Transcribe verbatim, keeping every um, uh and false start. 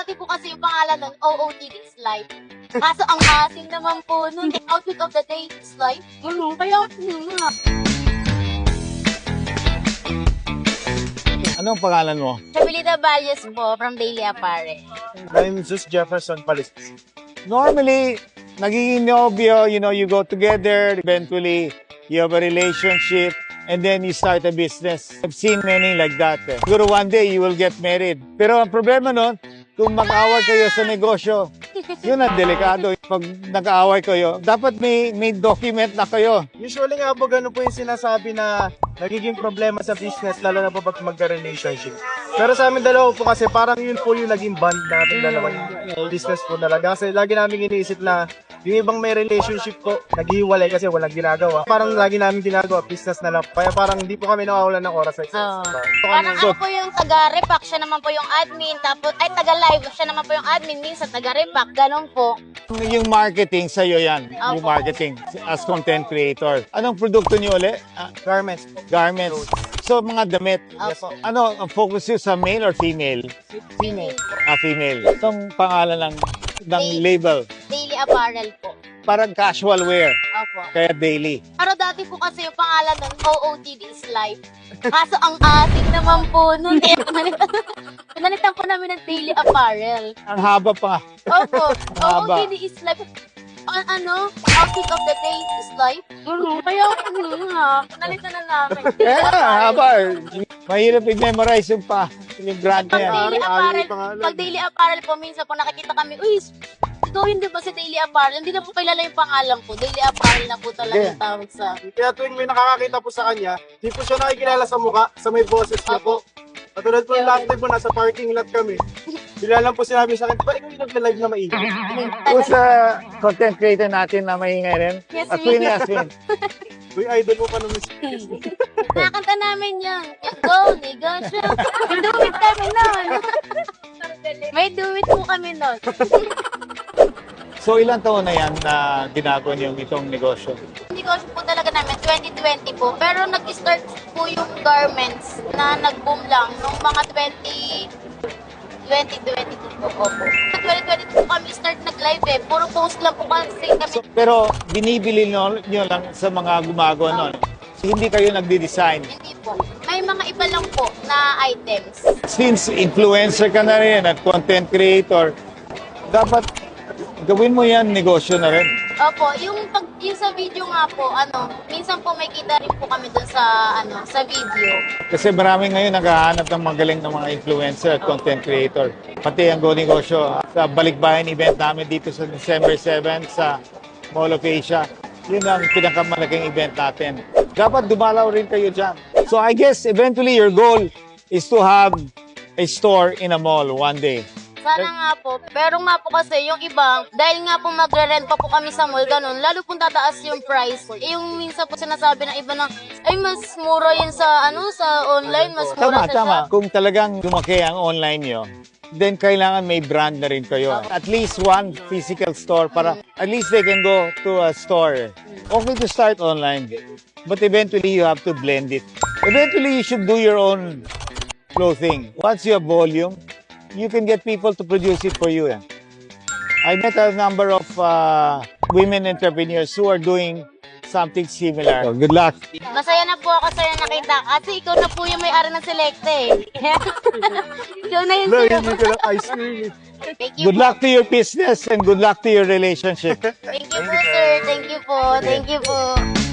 dati po kasi yung pangalan nun, O O T D is life. Kaso ang asim naman po nun, outfit of the day is life. Ano, kaya, hmm, nga. Anong pangalan mo? Chabilita Valles po, from Daily Apparel. I'm Zeus Jefferson Palis. Normally, nagiging nobyo, you know, you go together, eventually, you have a relationship, and then you start a business. I've seen many like that. Eh. Siguro one day, you will get married. Pero ang problema nun, kung mag-away kayo sa negosyo, yun ang delikado. Pag nag-aaway kayo, dapat may, may document na kayo. Usually nga po, ganun po yung sinasabi na nagiging problema sa business, lalo na po pag magka-relationship. Pero sa amin dalawa po kasi parang yun po yung naging bond natin dalawa yung business po talaga. Kasi lagi namin iniisip na yung ibang may relationship po, naghiwalay kasi walang ginagawa. Parang lagi namin ginagawa, business na lang. Kaya parang hindi po kami nawawalan ng oras sa isa't Oh. isa. Parang ako po yung taga-repack, siya naman po yung admin, tapos, ay, taga-live, siya naman po yung admin, minsan taga-repack, ganun po. Yung marketing, sa'yo yan. Yung Opo. marketing as content creator. Anong produkto niyo ulit? Ah, Garments po. garments. So, mga damit. Opo. Ano, ang focus yun sa male or female? Female. Ah, female. Itong pangalan ng, ng Daily. label. Daily Apparel po. Parang casual wear. Opo. Kaya daily. Pero dati po kasi yung pangalan nun, O O T D is life. Kaso ang asim naman po nun, eh. Pinalitan, pinalitan po namin ng Daily Apparel. Ang haba pa. Opo, O O Haba. T D is life. A- ano, outfit of the day is life. Ano, kaya, ano nga, pinalitan na namin. Eh, haba. Mahirap i-memorize yung pa. Yung brand Pag na yan. Daily Ari- Ari Apparel, yung pangalan. pag Daily Apparel po, minsan po nakikita kami, uy, ito yun di ba si Daily Apparel? Hindi na po kilala yung pangalan ko. Daily Apparel na po talaga Okay. yung tawag sa akin. Kaya tuwing may nakakakita po sa kanya, di po siya nakikilala sa mukha, sa may boses niya po. Katulad po yung last time po, nasa parking lot kami. Bila lang po sinabi sa akin, di ba ikaw yung nag-live na maingay? Kung sa content creator natin na maingay rin. Yes, Aswin, we- Aswin. Uy, idol mo pa naman si Nakakanta namin yan. Go, negosyo. May do it kami nun. May do it po kami nun. So, ilang taon na yan na ginagawa niyo itong negosyo? Negosyo po talaga namin, twenty twenty po. Pero nag-start po yung garments na nag-boom lang nung mga twenty twenty twenty-two po. Opo. Sa twenty twenty-two po kami start nag-live eh. Puro post lang po kasi kami. So, pero binibili nyo, nyo lang sa mga gumagawa nun. Hindi kayo nagdi-design. Hindi po. May mga iba lang po na items. Since influencer ka na rin at content creator, dapat gawin mo yan, negosyo na rin. Opo, yung pag yung sa video nga po, ano, minsan po may kita rin po kami dun sa ano, sa video. Kasi marami ngayon naghahanap ng magaling ng mga influencer at content creator. Pati ang Go Negosyo, sa Balikbayan event namin dito sa December seventh sa Mall of Asia. Yun ang pinakamalaking event natin. Dapat dumalaw rin kayo dyan. So I guess eventually your goal is to have a store in a mall one day. Sana nga po. Pero nga po kasi yung iba, dahil nga po magre-rent pa po kami sa mall, ganun, lalo pong tataas yung price. Eh, yung minsan po sinasabi ng iba na, ay mas mura yun sa, ano, sa online, mas mura Tama, sa tama. shop. Kung talagang lumaki ang online nyo, then kailangan may brand na rin kayo. At least one physical store para at least they can go to a store. Okay to start online, but eventually you have to blend it. Eventually you should do your own clothing. Once you have volume, you can get people to produce it for you. Eh. I met a number of uh, women entrepreneurs who are doing something similar. So, good luck. Masaya na po ako sa'yo nakita. Kasi ikaw na po yung may-ari ng Selecta eh. Ikaw na yun Wala, sa'yo. hindi ko lang ice cream. Thank you Good po. luck to your business and good luck to your relationship. Thank you po, sir. Thank you po. Thank you po.